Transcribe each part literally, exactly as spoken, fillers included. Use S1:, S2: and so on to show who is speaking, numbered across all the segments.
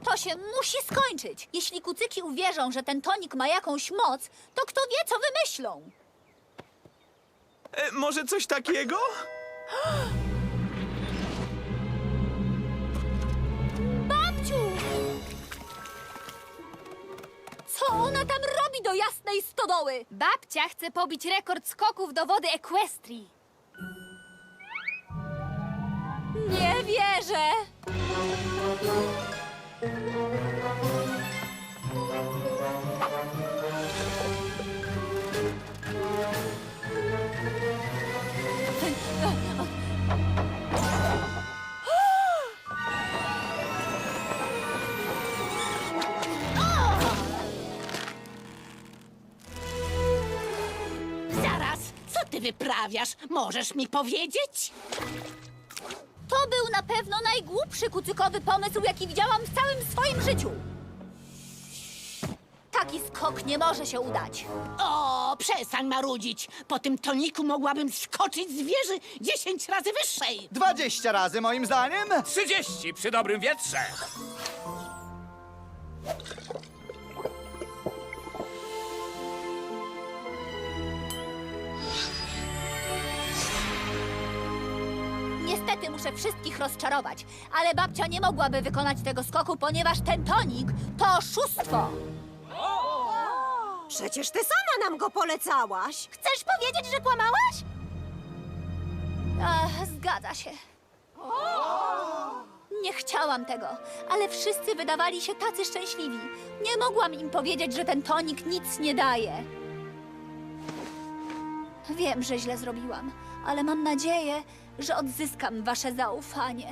S1: To się musi skończyć. Jeśli kucyki uwierzą, że ten tonik ma jakąś moc, to kto wie, co wymyślą.
S2: E, może coś takiego?
S1: Babciu! Co ona tam robi do jasnej stodoły?
S3: Babcia chce pobić rekord skoków do wody Equestrii.
S1: Nie wierzę!
S4: Zaraz, co ty wyprawiasz? Możesz mi powiedzieć?
S1: To był na pewno najgłupszy kucykowy pomysł, jaki widziałam w całym swoim życiu. Taki skok nie może się udać.
S4: O, przestań marudzić. Po tym toniku mogłabym skoczyć z wieży dziesięć razy wyższej.
S5: Dwadzieścia razy moim zdaniem.
S6: Trzydzieści przy dobrym wietrze.
S1: Niestety muszę wszystkich rozczarować, ale babcia nie mogłaby wykonać tego skoku, ponieważ ten tonik to oszustwo.
S7: Przecież ty sama nam go polecałaś.
S1: Chcesz powiedzieć, że kłamałaś? Ach, zgadza się. Nie chciałam tego, ale wszyscy wydawali się tacy szczęśliwi. Nie mogłam im powiedzieć, że ten tonik nic nie daje. Wiem, że źle zrobiłam, ale mam nadzieję, że odzyskam wasze zaufanie.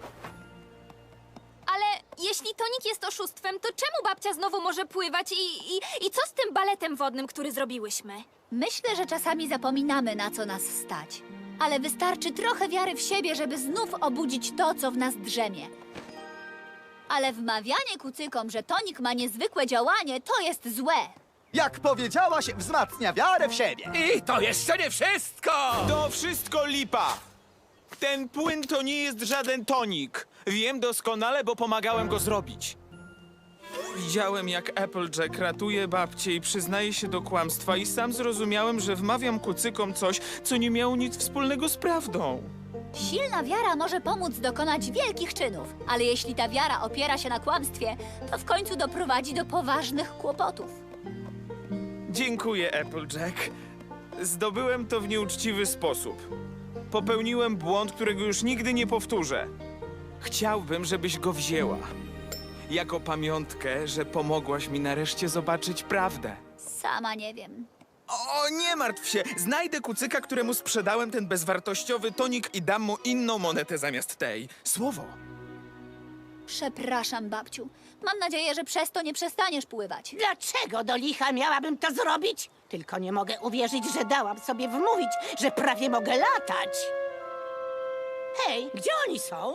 S3: Ale jeśli tonik jest oszustwem, to czemu babcia znowu może pływać i, i, i co z tym baletem wodnym, który zrobiłyśmy?
S1: Myślę, że czasami zapominamy, na co nas stać. Ale wystarczy trochę wiary w siebie, żeby znów obudzić to, co w nas drzemie. Ale wmawianie kucykom, że tonik ma niezwykłe działanie, to jest złe.
S5: Jak powiedziałaś, wzmacnia wiarę w siebie.
S6: I to jeszcze nie wszystko!
S2: To wszystko lipa! Ten płyn to nie jest żaden tonik. Wiem doskonale, bo pomagałem go zrobić. Widziałem, jak Applejack ratuje babcię i przyznaje się do kłamstwa i sam zrozumiałem, że wmawiam kucykom coś, co nie miało nic wspólnego z prawdą.
S1: Silna wiara może pomóc dokonać wielkich czynów, ale jeśli ta wiara opiera się na kłamstwie, to w końcu doprowadzi do poważnych kłopotów.
S2: Dziękuję, Applejack. Zdobyłem to w nieuczciwy sposób. Popełniłem błąd, którego już nigdy nie powtórzę. Chciałbym, żebyś go wzięła. Jako pamiątkę, że pomogłaś mi nareszcie zobaczyć prawdę.
S1: Sama nie wiem.
S2: O, nie martw się! Znajdę kucyka, któremu sprzedałem ten bezwartościowy tonik i dam mu inną monetę zamiast tej. Słowo.
S1: Przepraszam, babciu. Mam nadzieję, że przez to nie przestaniesz pływać.
S4: Dlaczego do licha miałabym to zrobić? Tylko nie mogę uwierzyć, że dałam sobie wmówić, że prawie mogę latać. Hej, gdzie oni są?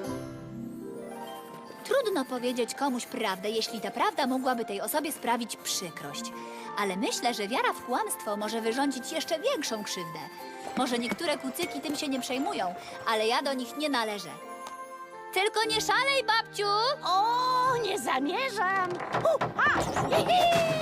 S1: Trudno powiedzieć komuś prawdę, jeśli ta prawda mogłaby tej osobie sprawić przykrość. Ale myślę, że wiara w kłamstwo może wyrządzić jeszcze większą krzywdę. Może niektóre kucyki tym się nie przejmują, ale ja do nich nie należę. Tylko nie szalej, babciu!
S4: O, nie zamierzam. U, a, hi, hi.